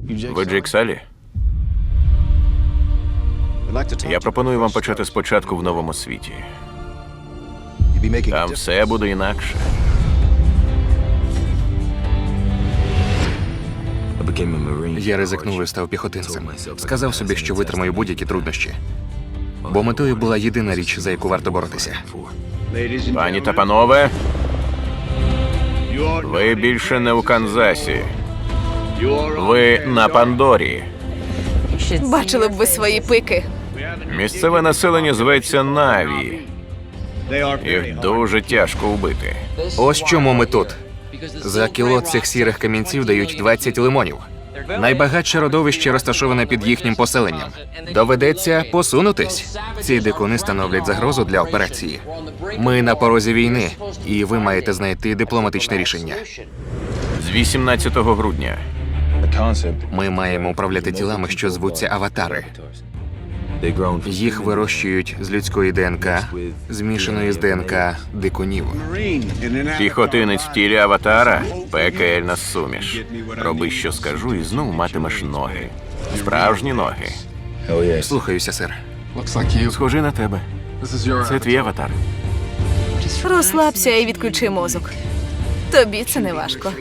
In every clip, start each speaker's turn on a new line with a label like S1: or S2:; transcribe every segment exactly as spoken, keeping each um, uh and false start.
S1: Ви Джейк Салі? Я пропоную вам почати спочатку в новому світі. Там все буде інакше.
S2: Я ризикнув і став піхотинцем. Сказав собі, що витримаю будь-які труднощі. Бо метою була єдина річ, за яку варто боротися.
S1: Пані та панове, ви більше не у Канзасі. Ви на Пандорі.
S3: Бачили б ви свої пики.
S1: Місцеве населення зветься Наві. Їх дуже тяжко вбити.
S2: Ось чому ми тут. За кіло цих сірих камінців дають двадцять лимонів. Найбагатше родовище розташоване під їхнім поселенням. Доведеться посунутись. Ці дикуни становлять загрозу для операції. Ми на порозі війни, і ви маєте знайти дипломатичне рішення.
S1: З вісімнадцятого грудня.
S2: Ми маємо управляти тілами, що звуться аватари. Їх вирощують з людської ДНК, змішаної з ДНК дикунів.
S1: Піхотинець в тілі аватара – пекельна суміш. Роби, що скажу, і знов матимеш ноги. Справжні ноги.
S2: Слухаюся, сер.
S1: Схожий на тебе. Це твій аватар.
S3: Розслабся і відключи мозок. Тобі це не важко.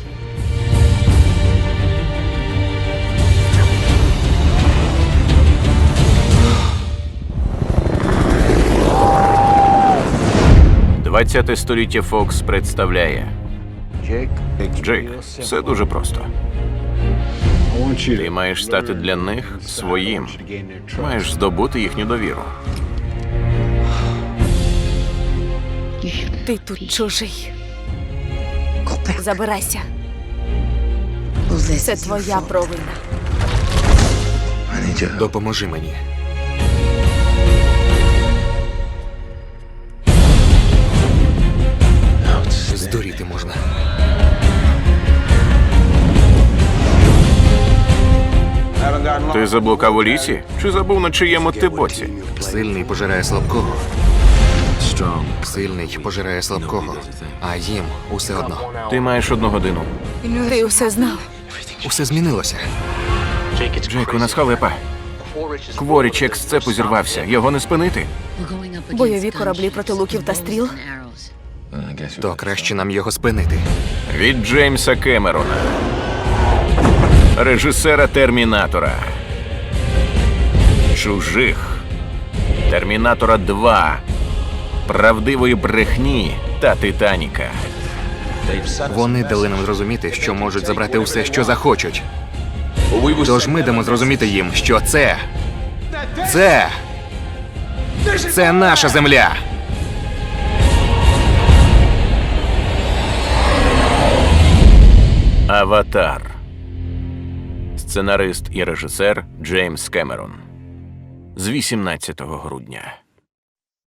S1: двадцяте століття Фокс представляє. Джейк, все дуже просто. Ти маєш стати для них своїм. Маєш здобути їхню довіру.
S3: Ти тут чужий. Забирайся. Це твоя провина.
S2: Допоможи мені. Здуріти можна.
S1: Ти заблукав у лісі? Чи забув, на чиєму ти боці?
S2: Сильний пожирає слабкого. Сильний пожирає слабкого. А їм усе одно.
S1: Ти маєш одну годину.
S3: Ти усе знав.
S2: Усе змінилося.
S1: Джейк, у нас халепа. Кворіч як з цепу зірвався. Його не спинити.
S3: Бойові кораблі проти луків та стріл.
S2: То краще нам його спинити.
S1: Від Джеймса Кемерона, режисера «Термінатора», «Чужих», «Термінатора два», «Правдивої брехні» та «Титаніка».
S2: Вони дали нам зрозуміти, що можуть забрати усе, що захочуть. Тож ми дамо зрозуміти їм, що це... Це... Це наша земля!
S1: «Аватар». Сценарист і режисер Джеймс Кемерон. З вісімнадцятого грудня.